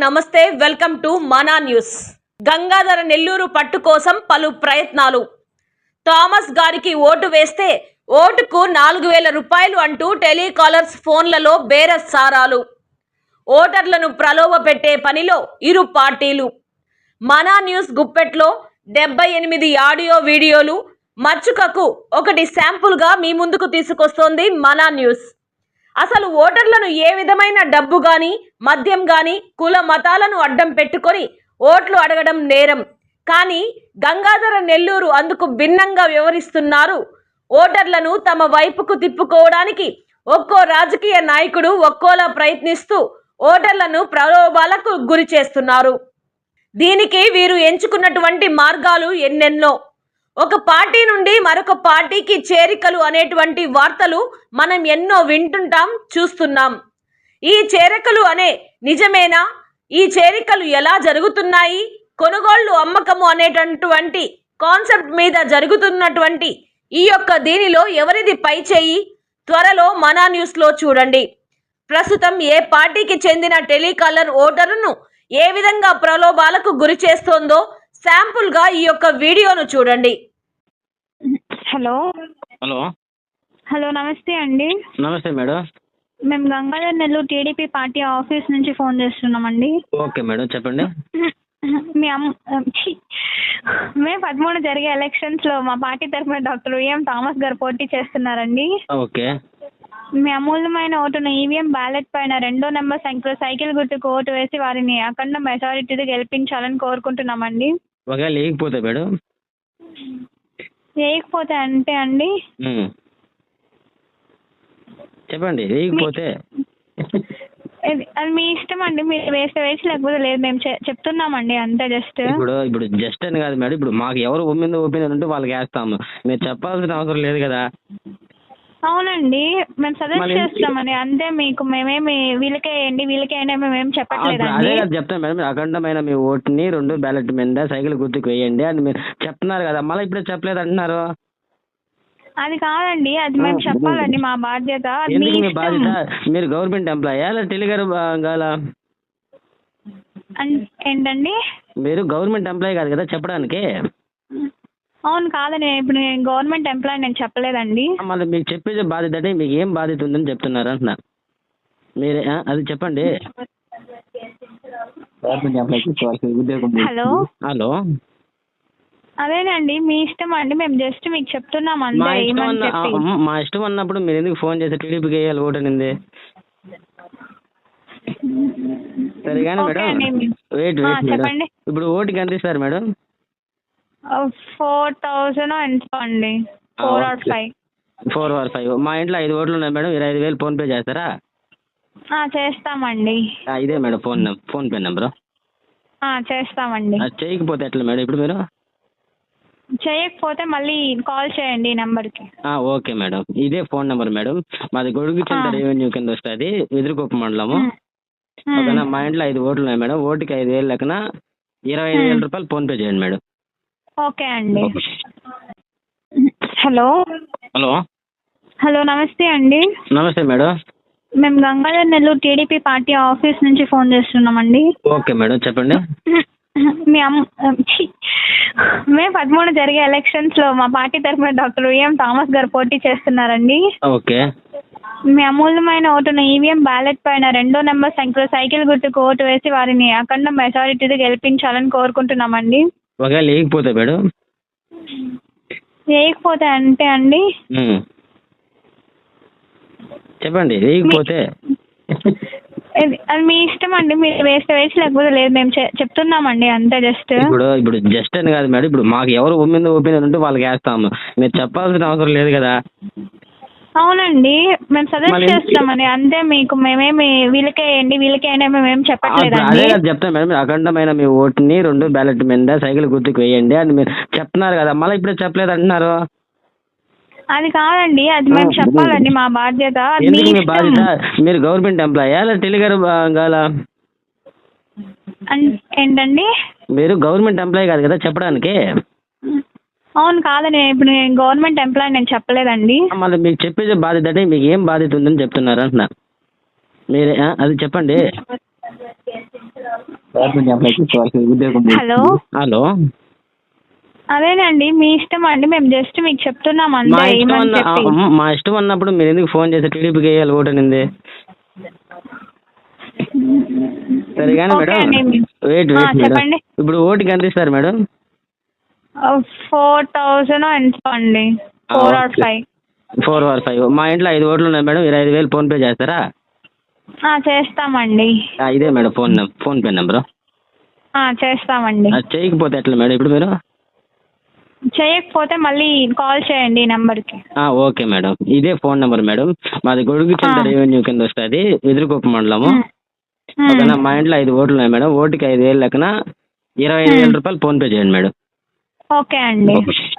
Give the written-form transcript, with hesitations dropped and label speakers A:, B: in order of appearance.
A: నమస్తే, welcome to Mana news. Gangadhara Nellore పట్టు కోసం పలు ప్రయత్నాలు. థామస్ గారికి ఓటు వేస్తే ఓటుకు 4000 రూపాయలు అంటూ టెలికాలర్స్ ఫోన్లలో బేరసారాలు. ఓటర్లను ప్రలోభ పెట్టే పనిలో ఇరు పార్టీలు. మనా న్యూస్ గుప్పెట్లో 78 ఆడియో వీడియోలు. మచ్చుకకు ఒకటి శాంపుల్గా మీ ముందుకు తీసుకొస్తోంది మనా న్యూస్. అసలు ఓటర్లను ఏ విధమైన డబ్బు గాని, మద్యం గాని, కుల మతాలను అడ్డం పెట్టుకొని ఓట్లు అడగడం నేరం. కానీ గంగాధర నెల్లూరు అందుకు భిన్నంగా వ్యవహరిస్తున్నారు. ఓటర్లను తమ వైపుకు తిప్పుకోవడానికి ఒక్కో రాజకీయ నాయకుడు ఒక్కోలా ప్రయత్నిస్తూ ఓటర్లను ప్రలోభాలకు గురి చేస్తున్నారు. దీనికి వీరు ఎంచుకున్నటువంటి మార్గాలు ఎన్నెన్నో. ఒక పార్టీ నుండి మరొక పార్టీకి చేరికలు అనేటువంటి వార్తలు మనం ఎన్నో వింటుంటాం, చూస్తున్నాం. ఈ చేరికలు అనే నిజమేనా? ఈ చేరికలు ఎలా జరుగుతున్నాయి? కొనుగోళ్లు, అమ్మకము అనేటటువంటి కాన్సెప్ట్ మీద జరుగుతున్నటువంటి ఈ యొక్క దీనిలో ఎవరిది పై చేయి? త్వరలో మనా న్యూస్లో చూడండి. ప్రస్తుతం ఏ పార్టీకి చెందిన టెలికాలర్ ఓటరును ఏ విధంగా ప్రలోభాలకు గురి చేస్తోందో శాంపుల్గా ఈ యొక్క వీడియోను చూడండి.
B: హలో
C: హలో
B: హలో నమస్తే అండి.
C: నమస్తే మేడం.
B: మేము Gangadhar Nellore TDP party office నుంచి ఫోన్ చేస్తున్నామండి.
C: ఓకే మేడం, చెప్పండి.
B: మీ మే 13 జరిగే ఎలక్షన్స్లో మా పార్టీ తరఫున డాక్టర్ విఎం థామస్ గారు పోటీ చేస్తున్నారండి.
C: ఓకే.
B: మీ అమూల్యమైన ఓటును ఈవీఎం బ్యాలెట్ పైన 2వ నెంబర్ సంఖ్యలో సైకిల్ గుర్తుకు ఓటు వేసి వారిని అఖండ మెజారిటీతో గెలిపించాలని కోరుకుంటున్నామండి.
C: ఒకవేళ లేకపోతే మేడం?
B: వేయకపోతే అంటే అండి
C: చెప్పండి. లేకపోతే
B: అది మీ ఇష్టం అండి. మీరు వేస్తే వేసి, లేకపోతే లేదు. మేము చెప్తున్నామండి అంతే. ఇప్పుడు
C: జస్ట్ అని కాదు మేడం. ఇప్పుడు మాకు ఎవరు ఒపీనియన్ ఉంటే వాళ్ళకి వేస్తాము. మీరు చెప్పాల్సిన అవసరం లేదు కదా.
B: అవునండి, మేము సజెస్ట్ చేస్తామని అంతే. మీకు మేమేమి వీళ్ళకే వేయండి మేమేం చెప్పట్లేదండి.
C: అదే కదా చెప్తాను మేడం. అఖండమైన మీ ఓటుని 2 బ్యాలెట్ మీద సైకిల్ గుర్తుకు వేయండి అని మీరు చెప్తున్నారు కదా. మళ్ళీ ఇప్పుడే చెప్పలేదు అంటున్నారు.
B: అది కాదండి, అది మేము చెప్పాలండి. మా బాధ్యత.
C: ఎందుకు మీ బాధ్యత? మీరు గవర్నమెంట్ ఎంప్లాయా లేదా టెలిగారు కావాలా?
B: ఏంటండి?
C: మీరు గవర్నమెంట్ ఎంప్లాయీ కాదు కదా చెప్పడానికి.
B: అవును, కాదండి. ఇప్పుడు నేను గవర్నమెంట్ ఎంప్లాయీ, నేను చెప్పలేదండి.
C: మళ్ళీ మీకు చెప్పేది బాధ్యత అంటే మీకు ఏం బాధ్యత ఉందని చెప్తున్నారు అంటున్నా. మీరే అది చెప్పండి.
B: హలో
C: హలో
B: అదేనండి, మీ ఇష్టం అండి. మేము జస్ట్ మీకు చెప్తున్నాం అంతే.
C: మా ఇష్టం అన్నప్పుడు మీరు ఎందుకు ఫోన్ చేసి టీడీపీకి వేయాలి ఓటు అనింది? సరే కానీ మేడం, వెయిట్
B: చెప్పండి.
C: ఇప్పుడు ఓటుకి ఎంత ఇస్తారు మేడం?
B: 4000 ఎంత అండి? 4 or 5.
C: 4 or 5. మా ఇంట్లో 5 ఓట్లు ఉన్నాయి మేడం. 25,000 ఫోన్పే చేస్తారా?
B: చేస్తామండి.
C: ఇదే మేడం ఫోన్పే నెంబరు.
B: చేస్తామండి.
C: చేయకపోతే ఎట్లా మేడం? ఇప్పుడు మీరు
B: చేయకపోతే మళ్ళీ కాల్ చేయండి ఈ నెంబర్కి.
C: ఓకే మేడం, ఇదే ఫోన్ నెంబర్ మేడం. మాది గొడుగుచింత రెవెన్యూ కింద వస్తుంది, ఎదురుకొప్ప మండలము. ఓకేనా? మా ఇంట్లో 5 ఓట్లు ఉన్నాయి మేడం. ఓటుకి 5,000 లెక్కన 25,000 రూపాయలు ఫోన్పే చేయండి మేడం.
B: ఓకే అండి. హలో
C: హలో
B: హలో నమస్తే అండి.
C: నమస్తే మేడం.
B: మేము Gangadhar Nellore TDP party office నుంచి ఫోన్ చేస్తున్నామండి.
C: ఓకే మేడం, చెప్పండి.
B: మే 13 జరిగే ఎలక్షన్స్లో మా పార్టీ తరఫున డాక్టర్ విఎం థామస్ గారు పోటీ చేస్తున్నారండి.
C: ఓకే.
B: మీ అమూల్యమైన ఓటును ఈవీఎం బ్యాలెట్ పైన 2వ నెంబర్ సంఖ్యలో సైకిల్ గుర్తుకు ఓటు వేసి వారిని అఖండ మెజారిటీతో గెలిపించాలని కోరుకుంటున్నామండి.
C: ఒకవేళ లేకపోతే మేడం?
B: వేయకపోతే అంటే అండి
C: చెప్పండి. లేకపోతే
B: అది మీ ఇష్టం అండి. మీరు వేస్తే వేసి, లేకపోతే లేదు. మేము చెప్తున్నామండి అంతే. ఇప్పుడు
C: జస్ట్ అని కాదు మేడం. ఇప్పుడు మాకు ఎవరు ఒపీనియన్ ఉంటే వాళ్ళకి వేస్తాము. మీరు చెప్పాల్సిన అవసరం లేదు కదా.
B: అవునండి, మేము సజెస్ట్ చేస్తామని అంతే. మీకు మేమేమి వీళ్ళకే వేయండి మేమేం చెప్పట్లేదండి.
C: అదే కదా చెప్తాను మేడం. అఖండమైన మీ ఓటుని 2 బ్యాలెట్ మీద సైకిల్ గుర్తుకు వేయండి అని మీరు చెప్తున్నారు కదా. మళ్ళీ ఇప్పుడే చెప్పలేదు అంటున్నారు.
B: అది కాదండి, అది మేము చెప్పాలండి. మా బాధ్యత.
C: ఎందుకు మీ బాధ్యత? మీరు గవర్నమెంట్ ఎంప్లాయా లేదా టెలిగారు కావాలా?
B: ఏంటండి?
C: మీరు గవర్నమెంట్ ఎంప్లాయీ కాదు కదా చెప్పడానికి.
B: అవును, కాదండి. ఇప్పుడు నేను గవర్నమెంట్ ఎంప్లాయీ, నేను చెప్పలేదండి.
C: మళ్ళీ మీకు చెప్పేది బాధ్యత అంటే మీకు ఏం బాధ్యత ఉందని చెప్తున్నారు అంటున్నా. మీరే అది చెప్పండి.
B: హలో
C: హలో,
B: అదేనండి మీ ఇష్టం అండి, మేము జస్ట్ మీకు చెప్తున్నాం
C: మా
B: అంతే
C: ఇష్టం
B: ఏమని చెప్పి.
C: మా ఇష్టం అన్నప్పుడు మీరు ఎందుకు ఫోన్ చేసి టీడీపీకి వేయాలి ఓటు అనింది? సరే కానీ
B: ఓకే
C: మేడం,
B: అండి.
C: వెయిట్ మేడం,
B: చెప్పండి.
C: ఇప్పుడు ఓటుకి ఎంత ఇస్తారు మేడం?
B: 4,000 ఎంత అండి? 4 or 5.
C: 4 or 5. మా ఇంట్లో 5 ఓట్లు ఉన్నాయి మేడం, 25,000 ఫోన్పే చేస్తారా?
B: చేస్తామండి.
C: ఇదే మేడం ఫోన్పే నెంబరు.
B: చేస్తామండి.
C: అది చేయకపోతే ఎట్లా మేడం ఇప్పుడు మీరు?
B: చేయకపోతే మళ్ళీ కాల్ చేయండి ఈ నెంబర్కి.
C: ఓకే మేడం, ఇదే ఫోన్ నెంబర్ మేడం. మాది గొడుగుచింత రెవెన్యూ కింద వస్తుంది, ఎదురుకొప్ప మండలము. ఓకేనా? మా ఇంట్లో 5 ఓట్లు ఉన్నాయి మేడం, ఓటుకి 5,000 లెక్కన 25,000 రూపాయలు ఫోన్పే చేయండి మేడం.
B: ఓకే అండి.